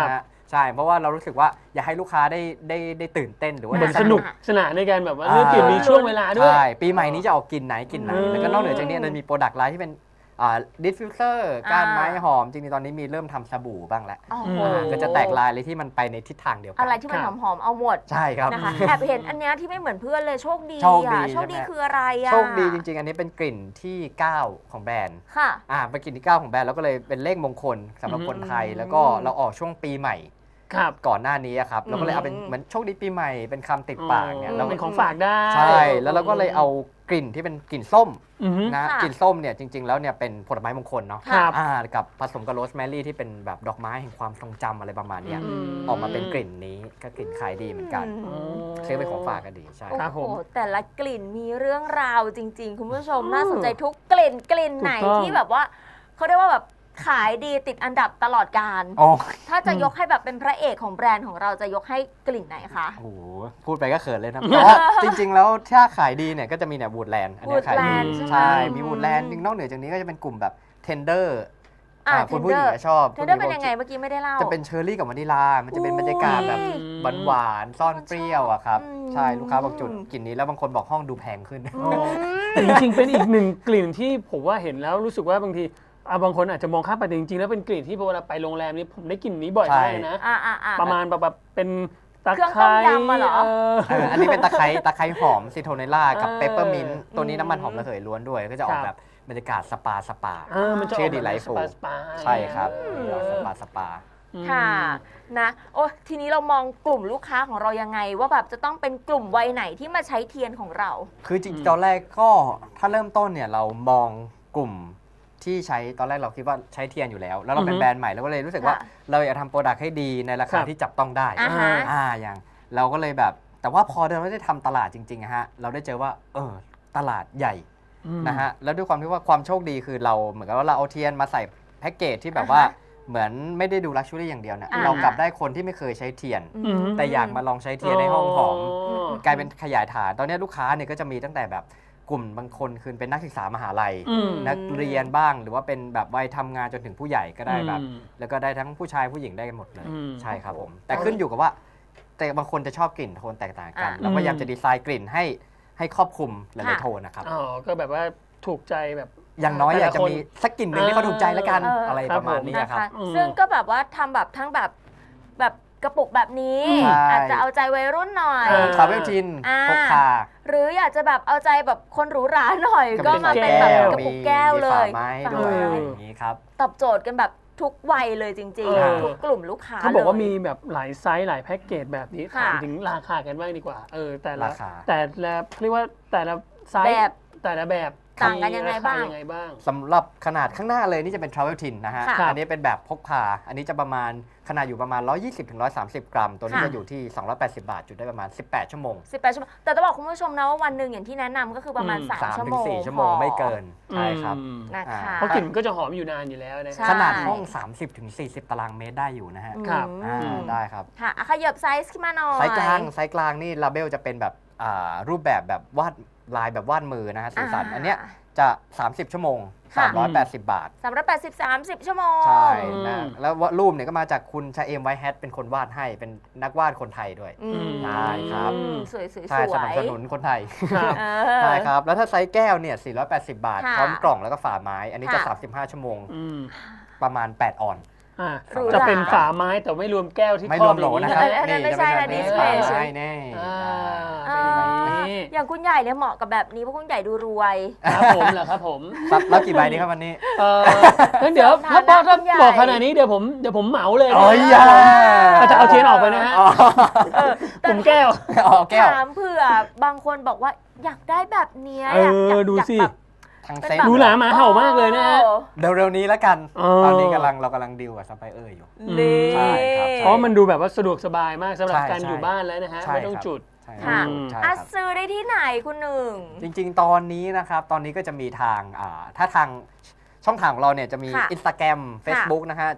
Speaker 3: ใช่เพราะว่าเรารู้สึกว่าอยากให้ลูกค้าได้ได้ได้ตื่นเต้นหรือว่า
Speaker 2: เหมือนสนุกสนานในการแบบว่า
Speaker 3: อ่า
Speaker 2: เลือกกลิ่นมีช่วงเวลาด้วย
Speaker 3: ใช่ปีใหม่นี้จะออกกลิ่นไหนกลิ่นไหน
Speaker 2: อืม
Speaker 3: แล้วก็นอกเหนือจากนี้มันมีโปรดักต์ไลน์ที่เป็นอ่าดิฟฟิวเซอร์ก้านไม้หอมจริงๆตอนนี้มีเริ่มทำสบู่บ้างแล้ว
Speaker 1: โอ้โห
Speaker 3: อ่าก็จะแตกลายเลยที่มันไปในทิศทางเดียวกั
Speaker 1: อะไรที่มันหอมๆเอาหมด
Speaker 3: ใช่ครับ
Speaker 1: นะคะแอบเห็นอันเนี้ยที่ไม่เหมือนเพื่อนเลยโชคดี
Speaker 3: โชคดี
Speaker 1: อ่ะโชคดี
Speaker 3: ใช่ไหม
Speaker 1: คืออะไรอ่ะ
Speaker 3: โชคดีจริงๆ อันนี้เป็นกลิ่นที่เก้าของแบรนด์
Speaker 1: ค่ะ
Speaker 3: อ่าเป็นกลิ่นที่เก้าของแบรนด์แล้วก็เลยเป็นเลขมงคลสำหรับคนไทย
Speaker 1: อืม
Speaker 3: แล้วก็เราออกช่วงปีใหม่
Speaker 2: ครับ
Speaker 3: ก่อนหน้านี้อะครับเราก็เลยเอาเป็น
Speaker 1: อืม
Speaker 3: เหมือนโชคดีปีใหม่เป็นคำติดปากเนี่ย
Speaker 1: อืม
Speaker 3: แล้ว
Speaker 2: เป็นของฝากได้
Speaker 3: ใช่ แล้วเราก็เลยเอากลิ่นที่เป็นกลิ่นส้ม
Speaker 2: อือฮึ
Speaker 3: นะ
Speaker 1: ค่ะ
Speaker 3: กลิ่นส้มเนี่ยจริง ๆ แล้วเนี่ยเป็นผลไม้มงคลเนาะ
Speaker 2: ครับ
Speaker 3: อ่ากับผสมกับโรสแมรี่ที่เป็นแบบดอกไม้แห่งความทรงจำอะไรประมาณเนี้ย
Speaker 2: อืม
Speaker 3: ออกมาเป็นกลิ่นนี้ก็กลิ่นขายดีเหมือนกัน
Speaker 1: อืม
Speaker 3: ซื้อเป็นของฝากก็ดีใช่
Speaker 1: โอ้
Speaker 2: ครับ
Speaker 1: โห
Speaker 2: ผม
Speaker 1: แต่ละกลิ่นมีเรื่องราวจริง ๆ คุณผู้ชม
Speaker 2: อืม
Speaker 1: น่าสนใจทุกกลิ่นกลิ่นไหน
Speaker 2: ถูกต้อง
Speaker 1: ที่แบบว่าเขาเรียกว่าแบบขายดีติดอันดับตลอดการ
Speaker 3: โอ้
Speaker 1: ถ้าจะยกให้แบบเป็นพระเอกของแบรนด์ของเราจะยกให้กลิ่นไหนคะ
Speaker 3: โหพูดไปก็เขินเลยนะแต่ว่าจริง ๆ แล้วถ้าขายดีเนี่ยก็จะมีเนี่ยวูดแลนด์อันเนี้ยขายดี
Speaker 1: Woodland ใช่ไหม
Speaker 3: ใช่มีวูดแลนด์นอกเหนือจากนี้ก็จะเป็นกลุ่มแบบเทนเดอร์
Speaker 1: อ่า
Speaker 3: คุณผู้หญิง
Speaker 1: Tender
Speaker 3: จะชอบ
Speaker 1: เทนเดอร์เป็นยังไงเมื่อกี้ไม่ได้เล่า
Speaker 3: จะเป็นเชอร์รี่กับวานิลา มันจะเป็นบรรยากาศแบบ
Speaker 1: อุ้ย
Speaker 3: หวานๆซ่อนเปรี้ยวอะครับ
Speaker 1: อืม
Speaker 3: ใช่ลูกค้าบอกจุดกลิ่นนี้แล้วบางคนบอกห้องดูแพงขึ้น
Speaker 2: อ๋อแต่จริงๆ เป็นอีกหนึ่งกลิ่นที่ผมว่าเห็นแล้วรู้สึกว่าบางทีอ่ะบางคนอาจจะมองข้ามไปแต่จริงๆ แล้วเป็นกลิ่นที่เวลาไปโรงแรมนี้ผมได้กลิ่นนี้บ่อย
Speaker 3: ใช่
Speaker 2: มากเลยนะ
Speaker 1: อ่าอ่าอ่า
Speaker 2: ประมาณแบบแบบเป็นตะ
Speaker 1: เครื่อง
Speaker 2: ไค
Speaker 1: ต้
Speaker 2: ร้
Speaker 1: มยำอะเหรอ
Speaker 2: เออ
Speaker 3: เอออันนี้เป็นตะไคร้ตะไคร้หอมซิโทเนล่ากับ
Speaker 2: เออ
Speaker 3: เปปเปอร์มินต์ตัวนี้น้ำมันหอมระเหยล้วนด้วย ก็จะออก
Speaker 2: ครับ
Speaker 3: แบบบรรยากาศสปาสปา
Speaker 2: เออมันจะอ
Speaker 3: ชื่
Speaker 2: อ
Speaker 3: อก ดี
Speaker 2: แบบ
Speaker 3: ไลท์ฟู
Speaker 2: สปาสปา
Speaker 3: ใช่ครับ
Speaker 1: อืม
Speaker 3: สปาสปา
Speaker 2: อืม
Speaker 1: ค่ะนะโอ้ทีนี้เรามองกลุ่มลูกค้าของเรายังไง ว่าแบบจะต้องเป็นกลุ่มวัยไหนที่มาใช้เทียนของเรา
Speaker 3: คือจริงๆตอนแรกก็ถ้าเริ่มต้นเนี่ยเรามองกลุ่มที่ใช้ตอนแรกเราคิดว่าใช้เทียนอยู่แล้ว แล้วเราเป็น
Speaker 2: อือฮึ
Speaker 3: แบรนด์ใหม่เราก็เลยรู้สึกว่า
Speaker 1: ค่ะ
Speaker 3: เราอยากทำโปรดักต์ให้ดีในรา
Speaker 2: ครั
Speaker 3: คา
Speaker 2: บ
Speaker 3: ที่จับต้องได้
Speaker 1: อ่าฮะ
Speaker 3: อ่าอย่างเราก็เลยแบบ แต่ว่าพอเราได้ทำตลาดจริงๆอะฮะเราได้เจอว่าเออตลาดใหญ่
Speaker 2: อืม
Speaker 3: นะฮะแล้วด้วยความที่ว่าความโชคดีคือเราเหมือนกับว่าเราเอาเทียนมาใส่แพ็กเกจที่แบบว่า
Speaker 1: อ่าฮะ
Speaker 3: เหมือนไม่ได้ดูลักชัวรี่อย่างเดียวเนี่ย
Speaker 1: อ่า
Speaker 3: เรากลับได้คนที่ไม่เคยใช้เทียน
Speaker 2: อืม
Speaker 3: แต่อยากมาลองใช้เทียนในห้องหอม
Speaker 2: อ๋อ
Speaker 3: กลายเป็นขยายฐาน ตอนนี้ลูกค้าเนี่ยก็จะมีตั้งแต่แบบกลุ่มบางคนคือเป็นนักศึกษามหาลัย
Speaker 2: อืม
Speaker 3: นักเรียนบ้างหรือว่าเป็นแบบวัยทำงานจนถึงผู้ใหญ่ก็ได้แบบ
Speaker 2: อืม
Speaker 3: แล้วก็ได้ทั้งผู้ชายผู้หญิงได้กันหมดเลย
Speaker 2: อืม
Speaker 3: ใช่ครับผม แต่ขึ้นอยู่กับว่า แต่บางคนจะชอบกลิ่นโทนแตกต่างกัน
Speaker 1: อ่ะ
Speaker 3: เราพยายามจะดีไซน์กลิ่นให้ให้ครอบคลุมหลาย
Speaker 1: ค่ะ
Speaker 3: ๆโทนนะครับ
Speaker 2: อ๋อก็แบบว่าถูกใจแบบ
Speaker 3: อย่างน้อย
Speaker 2: แต่
Speaker 3: อยา
Speaker 2: ละ
Speaker 3: กจะ
Speaker 2: คน
Speaker 3: มีสักกลิ่นหนึ่งที่เขาถูกใจแล้วกัน
Speaker 1: เอออ
Speaker 3: อะไรประมาณนี้
Speaker 1: นะ
Speaker 3: ครั
Speaker 1: คะ
Speaker 3: บ
Speaker 2: อืม
Speaker 1: ซึ่งก็แบบว่าทำแบบทั้งแบบแบบกระปุกแบบนี้
Speaker 3: ใช่
Speaker 1: อาจจะเอาใจวัยรุ่นหน่อย
Speaker 2: เออ
Speaker 3: ทราเวลทิน
Speaker 1: อ่า
Speaker 3: พกพา
Speaker 1: หรืออยากจะแบบเอาใจแบบคนหรูหราหน่อย ก็มาเป็นแบบกระปุกแก้วเล
Speaker 3: มีฝาย ไม้ด้วย
Speaker 1: ฝา
Speaker 3: อะไร
Speaker 1: ไม้
Speaker 3: อย่างนี้ครับ
Speaker 1: ตอบโจทย์กันแบบทุกวัยเลยจริง
Speaker 2: เออ
Speaker 1: ๆ ทุกกลุ่มลูกค้า
Speaker 2: เขาบอกว่า
Speaker 1: ลย
Speaker 2: มีแบบหลายไซส์หลายแพ็กเกจแบบนี้
Speaker 1: ค่ะ
Speaker 2: ถามถึงราคากันบ้างดีกว่า เออแต่ละ
Speaker 3: ราคา
Speaker 2: แต่ละเรียกว่าแต่ละไซส์
Speaker 1: แบบ
Speaker 2: แต่ละแบบ
Speaker 1: ต่างกันยังไงบ้าง
Speaker 2: มีรคยังไงบ้าง
Speaker 3: สำหรับขนาดข้างหน้าเลยนี่จะเป็น Travel Tin นะฮะ
Speaker 1: ค่ะ
Speaker 3: อันนี้เป็นแบบพกพา อันนี้จะประมาณขนาดอยู่ประมาณ หนึ่งร้อยยี่สิบถึงหนึ่งร้อยสามสิบ กรัม ตัวนี้
Speaker 1: ค่ะ
Speaker 3: จะอยู่ที่ สองร้อยแปดสิบ บาท จุดได้ประมาณ สิบแปด ชั่วโมง
Speaker 1: สิบแปดชั่วโมงแต่ต้องบอกคุณผู้ชมนะว่าวันหนึ่งอย่างที่แนะนำก็คือประมาณ
Speaker 2: อืม
Speaker 1: สาม
Speaker 3: สาม
Speaker 1: ชั่ว
Speaker 3: ถึ
Speaker 1: โม
Speaker 3: ง
Speaker 1: ง
Speaker 3: สี่ชั่วโมงไม่เกิน ใช่ครับ
Speaker 2: อืม
Speaker 1: นะคะ
Speaker 3: อ่า
Speaker 2: เพราะกลิ่นมันก็จะหอมอยู่นานอยู่แล้วนะ
Speaker 1: ใช่
Speaker 3: ขนาดห้อง สามสิบถึงสี่สิบ ตารางเมตรได้อยู่นะฮะ
Speaker 2: ครับ
Speaker 3: อ่า
Speaker 1: อืม
Speaker 3: ได้ครับ
Speaker 1: ค่ะอ่ะขยับไซส์ขึ้นมาหน่อย
Speaker 3: ไซส์กลาง ไซส์กลางนี่ลาเบลจะเป็นแบบอ่ารูปแบบแบบวาดลายแบบวาดมือนะฮะสีสัน อันเนี้ยจะ สามสิบ ชั่วโมง
Speaker 1: ค่ะ
Speaker 3: สามร้อยแปดสิบ บาท
Speaker 1: สามร้อยแปดสิบ สามสิบชั่วโมง
Speaker 3: ใช่
Speaker 2: อื
Speaker 3: นะ
Speaker 2: ม
Speaker 3: แล้วรูปเนี่ยก็มาจากคุณชาเอมไวท์แฮทเป็นคนวาดให้ เป็นนักวาดคนไทยด้วย
Speaker 1: อืม
Speaker 3: ใช่ครับ
Speaker 1: สวยๆสวย
Speaker 3: ใช่สนับสนุนคนไทย
Speaker 2: ครับ
Speaker 1: เอ
Speaker 3: ใช่
Speaker 1: อ
Speaker 3: ครับ แล้วถ้าไซส์แก้วเนี่ย สี่ร้อยแปดสิบ บาท
Speaker 1: ค่ะ
Speaker 3: พร้อมกล่องแล้วก็ฝาไม้ อันนี้จะ
Speaker 1: ค่ะ
Speaker 3: สามสิบห้า ชั่วโมง
Speaker 2: อืม
Speaker 3: ประมาณ แปด ออน
Speaker 2: อ่ะ
Speaker 1: หรูหรา
Speaker 2: จะเป็นฝาไม้แต่ไม่รวมแก้วที่
Speaker 3: ไม่
Speaker 2: ค
Speaker 3: ร
Speaker 2: รอ
Speaker 3: ว
Speaker 2: บ
Speaker 3: มโหล
Speaker 2: อย่าง
Speaker 3: นะ
Speaker 2: นี้
Speaker 3: ครับ
Speaker 1: อันนั้นไม่ใช่นะ
Speaker 3: จะเป็
Speaker 1: นี่
Speaker 3: แบบ
Speaker 1: เฉยๆ
Speaker 3: ฝาไม้แน่
Speaker 2: อ่า
Speaker 1: เอ
Speaker 2: เป็นอย่าง
Speaker 1: อ
Speaker 2: นี้
Speaker 1: อย่างคุณใหญ่เนี่ยเหมาะกับแบบนี้เพราะคุณใหญ่ดูรวย
Speaker 2: ครับผมเหรอครับผม
Speaker 3: ครับแล้วกี่ใบดีครับวันนี้
Speaker 2: เอองั้นเดี๋ยว
Speaker 1: สมฐา
Speaker 2: ถ้า
Speaker 1: นะ
Speaker 2: ถ้า
Speaker 1: คุณใหญ่
Speaker 2: บอกขนาดนี้เดี๋ยวผมเดี๋ยวผมเหมาเลยนะ
Speaker 3: โอ้ยอย่า
Speaker 2: อาจจะเอาเทียนออกไปนะฮะ
Speaker 3: อ๋อ
Speaker 1: เออแต่
Speaker 2: ผมแก้ว
Speaker 3: อ๋อแก้ว
Speaker 1: ถามเผื่อบางคนบอกว่าอยากได้แบบเนี้ย
Speaker 2: เออ
Speaker 1: อยาก
Speaker 2: ดู
Speaker 1: อยาก
Speaker 2: สิ
Speaker 1: แบบ
Speaker 3: ทาง
Speaker 1: เป็น
Speaker 3: เซ็ต
Speaker 1: แบบ
Speaker 2: ดูหลาหมาเห่ามากเลยนะฮะ
Speaker 1: โอ้
Speaker 3: เร็วๆนี้แล้วกัน
Speaker 2: อ๋อ
Speaker 3: ตอนนี้กำลังเรากำลังดีลกับซัพพลายเออร์อยู่
Speaker 1: นี่
Speaker 3: ใช่ครับ
Speaker 2: เพราะมันดูแบบว่าสะดวกสบายมากสำหรับ
Speaker 3: ใช่
Speaker 2: การ
Speaker 3: ใช่
Speaker 2: อยู่บ้านแล้วนะฮะ
Speaker 3: ใช่
Speaker 2: ไม่ต้อง
Speaker 3: ครับ
Speaker 2: จุด
Speaker 3: ใช่
Speaker 1: ค่ะ
Speaker 2: อืม
Speaker 3: ใช่
Speaker 1: อ่ะ
Speaker 3: ครับ
Speaker 1: ซื้อได้ที่ไหนคุณหนึ่ง
Speaker 3: จริงๆ ตอนนี้นะครับ ตอนนี้ก็จะมีทางอ่าถ้าทางช่องทางของเราเนี่ยจะมี
Speaker 1: ค่ะ
Speaker 3: Instagram Facebook นะฮะ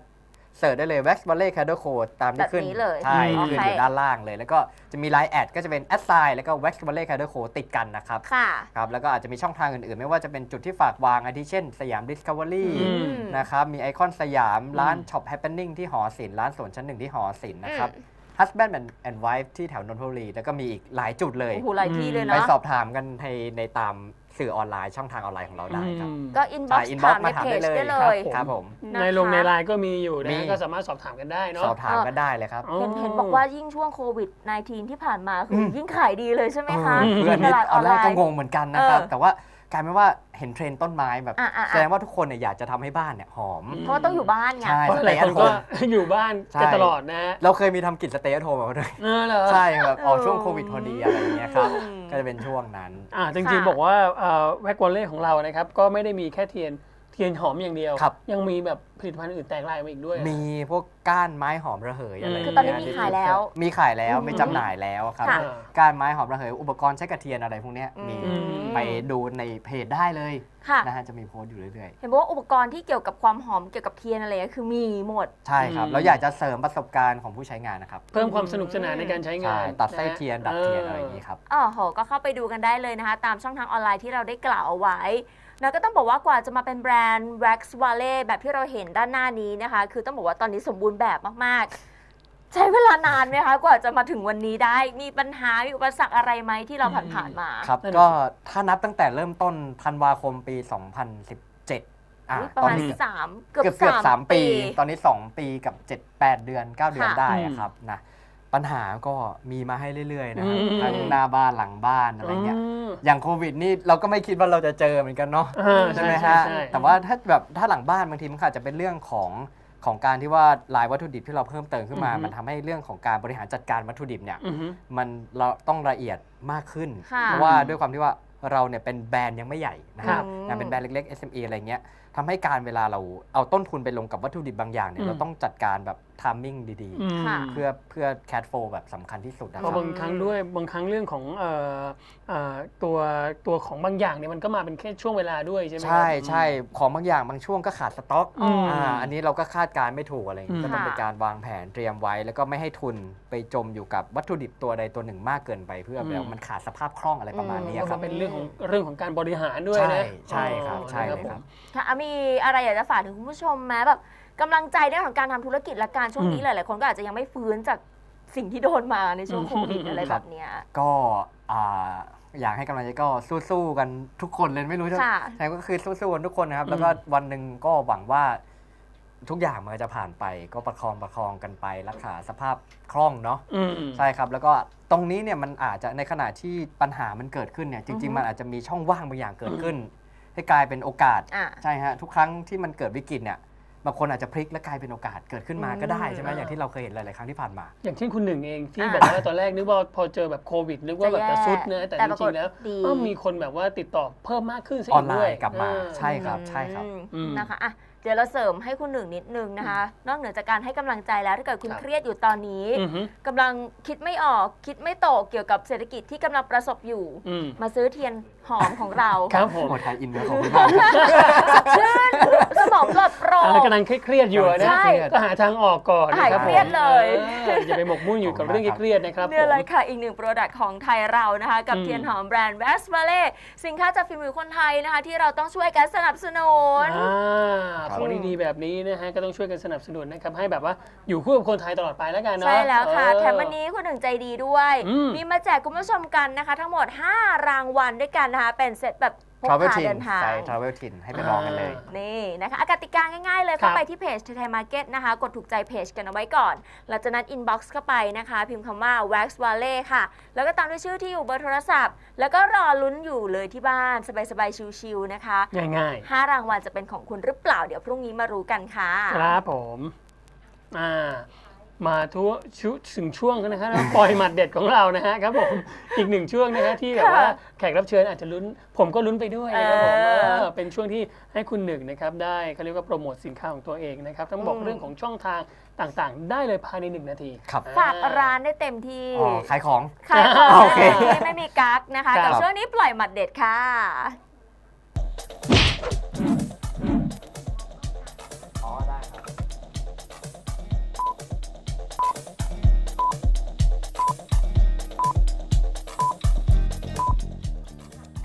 Speaker 3: เสิร์ชได้เลย Wax Valley Candle Co ตามที่ขึ้น
Speaker 1: แบบนี้เลย
Speaker 3: ใช่
Speaker 2: อืม
Speaker 3: ขึ้นอยู่ด้านล่างเลย แล้วก็จะมี ไลน์ แอดก็จะเป็น แอท ไซน์ แล้วก็ Wax Valley Candle Co ติดกันนะครับ
Speaker 1: ค่ะ
Speaker 3: ครับแล้วก็อาจจะมีช่องทางอื่นๆ ไม่ว่าจะเป็นจุดที่ฝากวางอาทิเช่นสยาม Discovery
Speaker 2: อืม
Speaker 3: นะครับมีไอคอนสยามร้าน
Speaker 2: อืม
Speaker 3: ช็อป Happening ที่หอศิลป์ร้านสวนชั้นหนึ่งที่หอศิลป์นะครับ Husband and and Wife ที่แถวนนทบุรีแล้วก็มีอีกหลายจุดเลย
Speaker 1: โอ้โหหลายที่เลย
Speaker 3: ไป
Speaker 1: เนาะ
Speaker 3: สอบถามกันในในตามสื่อออนไลน์ช่องทางออนไลน์ของเราได้ครับ
Speaker 2: อืม
Speaker 1: ก็อินบ็อก
Speaker 3: ใช่
Speaker 1: ซ์
Speaker 3: inbox
Speaker 1: ถามใน
Speaker 3: มาถาม
Speaker 1: เพจ
Speaker 3: ได้เลย
Speaker 1: ได้เลย
Speaker 3: ครับผม
Speaker 1: นะคะ
Speaker 2: ในลงในไลน์ก็มีอยู่นะ
Speaker 3: มี
Speaker 2: ก็สามารถสอบถามกันได้เนาะ
Speaker 3: สอบถามกันได้เลยครับ
Speaker 2: อ๋อ
Speaker 1: เห็นเห็นบอกว่ายิ่งช่วงโควิด สิบเก้า ที่ผ่านมาคืออ
Speaker 3: ม
Speaker 1: ยิ่งขายดีเลยใช่ไหมคะ
Speaker 3: เออเพื่อน
Speaker 1: ต
Speaker 3: นี่
Speaker 1: ลาดอ
Speaker 3: เอา
Speaker 1: อน
Speaker 3: แร
Speaker 1: ไล
Speaker 3: กก็
Speaker 1: น์
Speaker 3: งงเหมือนกันนะครับ
Speaker 1: เออ
Speaker 3: แต่ว่ากลายเป็นว่าเห็นเทรนด์ต้นไม้แบบ
Speaker 1: อ่ะอ่ะอ่ะ
Speaker 3: แสดงว่าทุกคนเนี่ยอยากจะทำให้บ้านเนี่ยหอม
Speaker 1: เพราะว่าต้องอยู่บ้านไง
Speaker 3: ใช่
Speaker 2: เพราะหลายคนก็ อยู่บ้านกันตลอดนะฮะ
Speaker 3: เราเคยมีทำกิจสเตย์โฮมมาด้วย
Speaker 2: เออเหรอ
Speaker 3: ใช่ครับออก
Speaker 1: เออ
Speaker 3: ช่วงโควิดพอดีอะไรอย่างเงี้ยครับ
Speaker 1: อืม
Speaker 3: ก็จะเป็นช่วงนั้น
Speaker 2: อ่าจริง
Speaker 1: ค่ะ
Speaker 2: ๆบอกว่าแว็กวอลเล่ของเรานะครับก็ไม่ได้มีแค่เทียนเทียนหอมอย่างเดียว
Speaker 3: ครับ
Speaker 2: ยังมีแบบผลิตภัณฑ์อื่นแตกลายมาอีกด้วย
Speaker 3: มีพวกก้านไม้หอมระเหยอะไร
Speaker 2: อืม
Speaker 1: คือตอนนี้มีขายแล้ว
Speaker 3: มีขายแล้ว
Speaker 1: อืม
Speaker 3: มีจำหน่ายแล้วครับ
Speaker 1: ค่ะ
Speaker 3: ก้านไม้หอมระเหยอุปกรณ์ใช้กระเทียนอะไรพวกเนี้ยมี
Speaker 1: อืม
Speaker 3: ไปดูในเพจได้เลย
Speaker 1: ค่ะ
Speaker 3: นะฮะจะมีโพสต์อยู่เรื่อย
Speaker 1: เห็นบอกว่าอุปกรณ์ที่เกี่ยวกับความหอมเกี่ยวกับเทียนอะไรก็คือมีหมด
Speaker 3: ๆ ใช่ครับ
Speaker 2: อืม
Speaker 3: เราอยากจะเสริมประสบการณ์ของผู้ใช้งานนะครับ
Speaker 2: เพิ่มความสนุกสนานในการใช้งา
Speaker 3: ใช่
Speaker 2: น
Speaker 3: ตัดไส้เทียนดัดเทียนอะไรอย่าง
Speaker 2: นี้
Speaker 3: นี้ครับ
Speaker 1: อ๋อโหก็เข้าไปดูกันได้เลยนะคะ ตามช่องทางออนไลน์ที่เราได้กล่าวเอาไว้แล้วก็ต้องบอกว่ากว่าจะมาเป็นแบรนด์ Wax Valley แบบที่เราเห็นด้านหน้านี้นะคะ คือต้องบอกว่าตอนนี้สมบูรณ์แบบมากๆ ใช้เวลานานไหมคะ กว่าจะมาถึงวันนี้ได้ มีปัญหา มีอุปสรรคอะไรไหมที่เราผ่านๆมา
Speaker 3: ครับ
Speaker 2: นั่นน่ะ
Speaker 3: ก็ถ้านับตั้งแต่เริ่มต้นธันวาคมปี สองพันสิบเจ็ดอ่ะ
Speaker 1: อุ๊ยประ
Speaker 3: ตอน
Speaker 1: มาณ
Speaker 3: นี้
Speaker 1: สามเกือบ
Speaker 3: เกือบเกือบ
Speaker 1: สาม
Speaker 3: สามปี
Speaker 1: ปี
Speaker 3: ตอนนี้ สอง ปีกับ เจ็ด แปด เดือน เก้า เดือน
Speaker 1: ค่ะ
Speaker 3: ได้
Speaker 2: อืม
Speaker 3: อะครับนะปัญหาก็มีมาให้เรื่อยๆนะครับ
Speaker 2: อืม
Speaker 3: ทั้งหน้าบ้านหลังบ้านอะไรเงี้ย
Speaker 2: ม
Speaker 3: อย่างโควิดนี่เราก็ไม่คิดว่าเราจะเจอเหมือนกันเนาะ
Speaker 2: อ่า
Speaker 3: ใช่ไหม
Speaker 2: ใช่
Speaker 3: ฮะ
Speaker 2: ใช่
Speaker 3: แต่ว่าถ้าแบบถ้าหลังบ้านบางทีมันอาจจะเป็นเรื่องของของการที่ว่าลายวัตถุดิบที่เราเพิ่มเติมขึ้นมา
Speaker 2: อือฮึ
Speaker 3: มันทำให้เรื่องของการบริหารจัดการวัตถุดิบเนี่ย
Speaker 2: อือฮึ
Speaker 3: มันเราต้องละเอียดมากขึ้น
Speaker 1: ค่ะ
Speaker 3: เพราะว่าด้วยความที่ว่าเราเนี่ยเป็นแบรนด์ยังไม่ใหญ่นะค
Speaker 2: ครั
Speaker 3: รับบ ยังเป็นแบรนด์เล็กๆ เอส เอ็ม อี อะไรเงี้ยทำให้การเวลาเราเอาต้นทุนไปลงกับวัตถุดิบบางอย่างเนี่ย
Speaker 2: อืม
Speaker 3: เราต้องจัดการแบบทามมิ่งดี
Speaker 2: อืม
Speaker 1: ค่ะ
Speaker 3: ๆ เพื่อเพื่อแคดโฟแบบสำคัญที่สุดนะ
Speaker 2: เพ
Speaker 3: ครั
Speaker 2: ราะ
Speaker 3: บ
Speaker 2: บางครั้งด้วยบางครั้งเรื่องของเอ่อเอ่อตัวตัวของบางอย่างเนี่ยมันก็มาเป็นแค่ช่วงเวลาด้วยใช่ไหมครับ
Speaker 3: ใช่ใช่ของบางอย่างบางช่วงก็ขาดสต็อก
Speaker 2: อืม
Speaker 3: อ่าอันนี้เราก็คาดการณ์ไม่ถูกอะไรอย่าง
Speaker 2: อื
Speaker 3: งี้
Speaker 2: ม
Speaker 3: ก็ต้อง
Speaker 1: ค่ะ
Speaker 3: เป็นการวางแผนเตรียมไว้ แล้วก็ไม่ให้ทุนไปจมอยู่กับวัตถุดิบตัวใดตัวหนึ่งมากเกินไปเพื่อแบบมันขาดสภาพคล่องอะไรประมาณนี้
Speaker 2: แล้ว
Speaker 3: ค
Speaker 2: ก็
Speaker 3: รับ
Speaker 2: เป็นเรื่องของเรื่องของการบริหารด้วย
Speaker 3: ใช่
Speaker 2: นะ
Speaker 3: ใช่ครับ
Speaker 2: อ๋อ
Speaker 3: ใช่เลย
Speaker 2: นะ
Speaker 3: ครับ
Speaker 1: ค่ะอ่ะมีอะไรอยากจะฝากถึงคุณผู้ชมไหมแบบกำลังใจในเรื่องของการทำธุรกิจและการช่วงนี้
Speaker 2: อืม
Speaker 1: หลายๆคนก็อาจจะยังไม่ฟื้นจากสิ่งที่โดนมาในช่วงโควิด
Speaker 2: อืม
Speaker 1: อะไรแบบเนี้ย
Speaker 3: ก็อ่าอยากให้กำลังใจก็สู้ๆกันทุกคนเลยไม่รู้จะ
Speaker 1: ค่ะ
Speaker 3: ใช่ก็คือสู้ๆกันทุกคนนะครับ
Speaker 2: อืม
Speaker 3: แล้วก็วันหนึ่งก็หวังว่าทุกอย่างมันจะผ่านไป ก็ประคองประคองกันไปรักษาสภาพคล่องเนาะ
Speaker 2: อืม
Speaker 3: ใช่ครับ แล้วก็ตรงนี้เนี่ยมันอาจจะในขณะที่ปัญหามันเกิดขึ้นเนี่ยจ
Speaker 1: อื
Speaker 3: ริ
Speaker 1: อง ฮึ
Speaker 3: ๆ มันอาจจะมีช่องว่างบางอย่างเกิดขึ้น ให้กลายเป็นโอกาส
Speaker 1: อ่ะ
Speaker 3: ใช่ฮะทุกครั้งที่มันเกิดวิกฤตเนี่ยบางคนอาจจะพลิกและกลายเป็นโอกาสเกิดขึ้นมาก็ได้ใช่ไหม
Speaker 2: อืม
Speaker 3: อย่างที่เราเคยเห็นหลายๆครั้งที่ผ่านมา
Speaker 2: อย่างเช่นคุณหนึ่งเองที่
Speaker 1: อ่า
Speaker 2: บอกว่าตอนแรกนึกว่าพอเจอแบบโควิดนึกว่าแบบจะซุดนะแต่
Speaker 1: แต่
Speaker 2: จ
Speaker 1: ปราก
Speaker 2: ริ
Speaker 1: ฏ
Speaker 2: งๆแล้ว
Speaker 1: ดี
Speaker 2: ก็มีคนแบบว่าติดต่อเพิ่มมากขึ้นซะ
Speaker 3: ออ
Speaker 2: อี
Speaker 3: น
Speaker 2: ก
Speaker 3: ไล
Speaker 2: ด้วย
Speaker 3: น์กลับมา
Speaker 2: เออ
Speaker 3: ใช่ครับใช่ครับ
Speaker 2: อืม
Speaker 1: นะคะอ่ะเดี๋ยวเราเสริมให้คุณหนึ่งนิดนึงนะคะ นอกเหนือจากการให้กำลังใจแล้วถ้าเกิดคุณ
Speaker 2: ครับ
Speaker 1: เครียดอยู่ตอนนี้
Speaker 2: อือฮึ
Speaker 1: กำลังคิดไม่ออกคิดไม่ตกเกี่ยวกับเศรษฐกิจที่กำลังประสบอยู่
Speaker 2: อืม
Speaker 1: มาซื้อเทียนหอมของเรา
Speaker 2: ครับผม
Speaker 3: โหไทยอินเนอร์ของคุณมากครับ
Speaker 1: ชื่นสมองปลอดโปร่ง
Speaker 2: อ่ากำลังเครียดๆอยู่นะ
Speaker 1: ใช่
Speaker 2: ก็หาทางออกก่อนนะครับ
Speaker 1: หายเครียดเลย
Speaker 2: ผมอออย่าไปหมกมุ่นอยู่กับเรื่องเครียดๆนะครับ
Speaker 1: เนี่ยเลย
Speaker 2: ผม
Speaker 1: ค่ะ อีกหนึ่งโปรดักต์ของไทยเรานะคะ กับ
Speaker 2: อืม
Speaker 1: เทียนหอมแบรนด์ Wax Valley สินค้าจากฝีมือคนไทยนะคะ ที่เราต้องช่วยกันสนับสนุน
Speaker 2: อ่า
Speaker 3: ครับ
Speaker 2: ของดีๆแบบนี้นะฮะก็ต้องช่วยกันสนับสนุนนะครับให้แบบว่าอยู่คู่กับคนไทยตลอดไปแล้วกันเนาะ
Speaker 1: ใช่แล้วค่ะ
Speaker 2: เออ
Speaker 1: แถมวันนี้คุณหนึ่งใจดีด้วย
Speaker 2: อืม
Speaker 1: มีมาแจกคุณผู้ชมกันนะคะ ทั้งหมด ห้ารางวัลด้วยกันนะคะ เป็นเซตแบบพก
Speaker 3: Travel
Speaker 1: พา
Speaker 3: Tin
Speaker 1: เดินทาง
Speaker 3: ใช่ Travel Tin ให้ไปลองกันเลย
Speaker 1: นี่นะคะอากติกาง่ายๆเลย
Speaker 2: ครั
Speaker 1: เข้า
Speaker 2: บ
Speaker 1: ไปที่เพจไทยมาร์เก็ตนะคะ กดถูกใจเพจกันเอาไว้ก่อนหลังจากนั้นอินบ็อกซ์เข้าไปนะคะ พิมพ์คำว่า Wax Valley ค่ะ แล้วก็ตามด้วยชื่อที่อยู่เบอร์โทรศัพท์ แล้วก็รอลุ้นอยู่เลยที่บ้านสบายๆชิวๆนะคะ
Speaker 2: ง่าย
Speaker 1: ห้ารางวัลจะเป็นของคุณหรือเปล่าเดี๋ยวพรุ่งนี้มารู้กันค่ะ
Speaker 2: ๆครับผมอ่ามาทุกชุถึงช่วงนะครับแล้วปล่อยหมัดเด็ดของเรานะฮะครับผมอีกหนึ่งช่วงนะฮะที่แบบว่าแขกรับเชิญอาจจะลุ้น ผมก็ลุ้นไปด้วยนะครับผม
Speaker 1: เออ
Speaker 2: เออเป็นช่วงที่ให้คุณหนึ่งนะครับได้เขาเรียกว่าโปรโมทสินค้าของตัวเองนะครับต้องบอก
Speaker 1: อืม
Speaker 2: เรื่องของช่องทางต่างๆ ได้เลยภายในหนึ่งนาที
Speaker 3: ครับ
Speaker 1: ฝากร้านได้เต็มที่
Speaker 3: อ๋อขายของ
Speaker 1: ขายของ
Speaker 3: โอเค
Speaker 1: ที่ไม่มีกั๊กนะคะ
Speaker 2: ครับ
Speaker 1: กับช่วงนี้ปล่อยหมัดเด็ดค่ะ
Speaker 3: อ๋อได้ครับ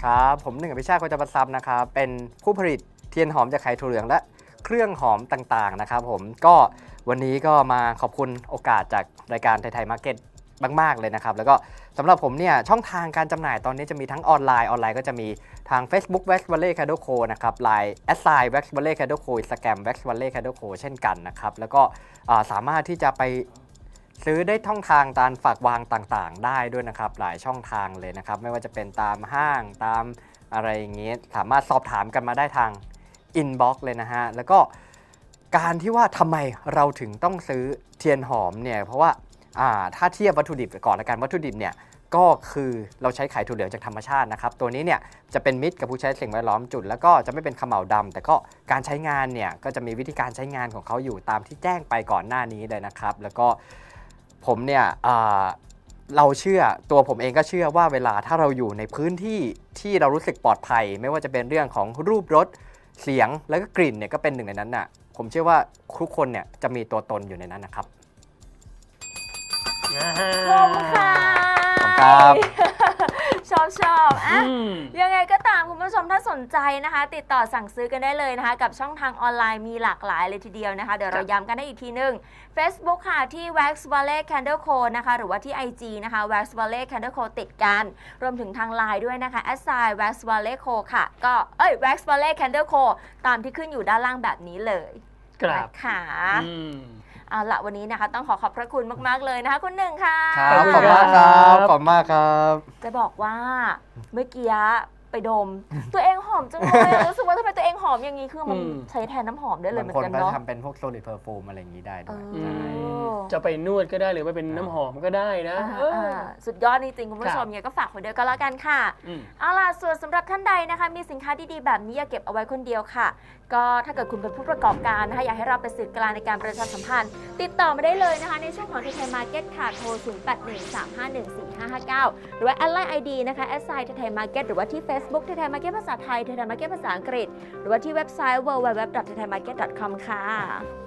Speaker 3: ครับผมหนึ่งอภิชาติโคจรทรัพย์นะครับเป็นผู้ผลิตเทียนหอมจากไข่ถั่วเหลืองและเครื่องหอมต่างๆนะครับผมก็วันนี้ก็มาขอบคุณโอกาสจากรายการไทยๆมาร์เก็ตมากๆเลยนะครับแล้วก็สำหรับผมเนี่ยช่องทางการจำหน่ายตอนนี้จะมีทั้งออนไลน์ออนไลน์ก็จะมีทาง Facebook Wax Valley Candle Co นะครับ ไลน์ แอท ไซน์ Wax Valley Candle Co Instagram Wax Valley Candle Co เช่นกันนะครับแล้วก็สามารถที่จะไปซื้อได้ช่องทางตามฝากวางต่างๆได้ด้วยนะครับหลายช่องทางเลยนะครับไม่ว่าจะเป็นตามห้างตามอะไรอย่างนี้สามารถสอบถามกันมาได้ทางอินบ็อกซ์เลยนะฮะแล้วก็การที่ว่าทำไมเราถึงต้องซื้อเทียนหอมเนี่ยเพราะว่าถ้าเทียบวัตถุดิบก่อนละกันวัตถุดิบเนี่ยก็คือเราใช้ไข่ถั่วเหลืองจากธรรมชาตินะครับตัวนี้เนี่ยจะเป็นมิตรกับผู้ใช้สิ่งแวดล้อมจุดแล้วก็จะไม่เป็นเขม่าวดำแต่ก็การใช้งานเนี่ยก็จะมีวิธีการใช้งานของเขาอยู่ตามที่แจ้งไปก่อนหน้านี้เลยนะครับแล้วก็ผมเนี่ยเราเชื่อตัวผมเองก็เชื่อว่าเวลาถ้าเราอยู่ในพื้นที่ที่เรารู้สึกปลอดภัยไม่ว่าจะเป็นเรื่องของรูปรสเสียงแล้วก็กลิ่นเนี่ยก็เป็นหนึ่งในนั้นน่ะผมเชื่อว่าทุกคนเนี่ยจะมีตัวตนอยู่ในนั้นนะครับ
Speaker 1: ขอบคุณค่ะ
Speaker 3: ครับ
Speaker 1: ชอบชอบอ่ะ
Speaker 2: อืม
Speaker 1: ยังไงก็ตามคุณผู้ชมถ้าสนใจนะคะ ติดต่อสั่งซื้อกันได้เลยนะคะ กับช่องทางออนไลน์มีหลากหลายเลยทีเดียวนะคะ เดี๋ยวเราย้ำกันได้อีกทีนึง Facebook ค่ะที่ Wax Valley Candle Co นะคะ หรือว่าที่ ไอ จี นะคะ Wax Valley Candle Co ติดกัน รวมถึงทาง ไลน์ ด้วยนะคะ แอท ไซน์ Wax Valley Co ค่ะ ก็เอ้ย Wax Valley Candle Co ตามที่ขึ้นอยู่ด้านล่างแบบนี้เลย
Speaker 2: ครับ
Speaker 1: นะคะ
Speaker 2: อืม
Speaker 1: เอาละวันนี้นะคะต้องขอขอบพระคุณมากๆเลยนะคะคุณหนึ่งค่ะ
Speaker 3: ครับ
Speaker 2: ข
Speaker 3: ข
Speaker 2: อ
Speaker 3: อ
Speaker 2: บบ คุ
Speaker 3: คุณ ณ
Speaker 2: ครั
Speaker 3: มากครับ บขอบคุณมากครับ
Speaker 1: จะบอกว่าเมื่อกี้ไปดม ตัวเองหอมจังเลยอะรู้สึกว่าทำไมตัวเองหอมอย่างนี้คือมัน
Speaker 2: อืม
Speaker 1: ใช้แทนน้ำหอมได้เลย
Speaker 3: บาง
Speaker 1: เหมือ
Speaker 3: คน
Speaker 1: นกัน
Speaker 3: ก็
Speaker 1: เนาะ
Speaker 3: ทำเป็นพวกโซลิดเพอร์ฟูมอะไรอย่างนี้ได้ด้วย
Speaker 1: เออ
Speaker 2: อื
Speaker 3: ใช่
Speaker 2: มจะไปนวดก็ได้หรือว่าเป็นน้ำหอมก็ได้นะ
Speaker 1: อ่า
Speaker 2: เออ
Speaker 1: อ่าสุดยอดจริงๆคุณผู้ชม
Speaker 2: ครับ
Speaker 1: เนี่ยก็ฝากไว้ด้วยก็แล้วกันค่ะ
Speaker 2: อืม
Speaker 1: เอาล่ะส่วนสำหรับท่านใดนะคะมีสินค้าดีๆแบบนี้อย่าเก็บเอาไว้คนเดียวค่ะ ก็ถ้าเกิดคุณเป็นผู้ประกอบการนะคะอยากให้เราเป็นสื่อกลางในการประชาสัมพันธ์ ติดต่อมาได้เลยนะคะในช่วงของไทยมาร์เก็ตค่ะโทร ศูนย์ แปด หนึ่ง สาม ห้า หนึ่ง สี่ ห้า ห้า เก้า หรือว่าแอดไลน์ ไอ ดี นะคะแอดไซน์ไทยมาร์เก็ตหรือว่าที่ Facebook ไทยมาร์เก็ตภาษาไทยไทยมาร์เก็ตภาษาอังกฤษหรือว่าที่เว็บไซต์ ดับเบิลยู ดับเบิลยู ดับเบิลยู ดอท ไทยมาร์เก็ต ดอท คอม ค่ะ